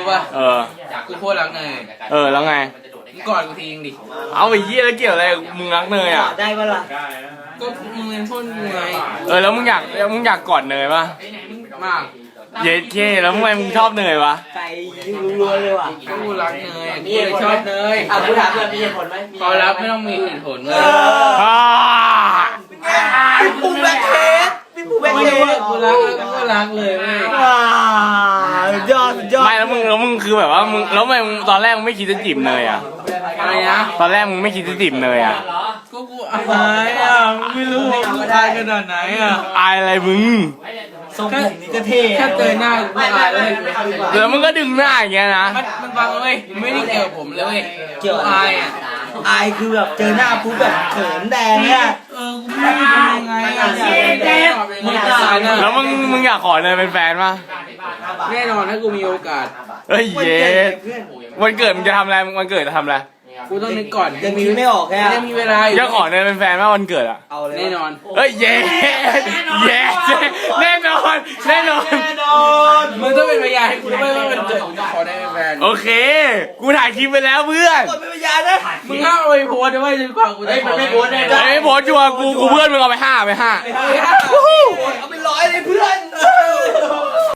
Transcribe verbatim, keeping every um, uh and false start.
ป่ะเออกูโคตรรักเนยเออแล้วไงมึงกอดกูทีนึงดิเอาไปเยี่ยแล้วเกี่ยวอะไรมึงรักเนยอ่ะได้ปะล่ะก็มึงเป็นพ่นกูไงเออแล้วมึงอยากมึงอยากกอดเนยป่ะมากเย็ดเคแล้วทำไมมึงชอบเนยวะใจรัวๆเลยว่ะกูรักเนยกูเลยชอบเนยอ่ะกูถามเพื่อนมีเหตุผลไหมพอรับไม่ต้องมีเหตุผลเลยพี่ปูแบคเคสพี่ปูแบคเคสกูรักแล้วก็รักเลยเว้ยยอดยอดไม่แล้วมึงแล้วมึงคือแบบว่ามึงแล้วทำไมมึงตอนแรกมึงไม่คิดจะจีบเนยอ่ะอะไรนะตอนแรกมึงไม่คิดจะจีบเนยอ่ะก็กูอายอ่ะไม่รู้ว่ากูอายขนาดไหนอ่ะอายอะไรมึงทรงผมนี่ก็เท่แค่เจอหน้ากูอายเลยแล้วมึงก็ดึงหน้าอย่างเงี้ยนะมันมันฟังเลยไม่ได้เกี่ยวกับผมเลยเกี่ยวอายอ่ะอายคือแบบเจอหน้าปุ๊บแบบเขินแดงเนี่ยเออกูไม่รู้ทำยังไงอ่ะมึงตายนะแล้วมึงมึงอยากขอเนยเป็นแฟนป่ะแน่นอนถ้ากูมีโอกาสเฮ้ยเย็ดวันเกิดมึงจะทำอะไรวันเกิดจะทำอะไรกูต้องนึกก่อนยังมีไม่ออกแค่ยังมีเวลาอยู่จะขอเนยเป็นแฟนป่ะวันเกิดอ่ะเอาเลยแน่นอนเฮ้ยเย็ดเย็ดแน่นอนแน่นอนแน่นอนมึงต้องเป็นพยานให้กูด้วยว่ามันเกิดขอได้เป็นแฟนโอเคกูถ่ายคลิปไปแล้วเพื่อนกดเป็นพยานนะมึงห้ามเอาไปโพสด้วยจนกว่ากูจะไม่โพสได้ไม่โพสชัวร์กูกูเพื่อนมึงเอาไปห้าไปห้าเอาไปร้อยเลยเพื่อน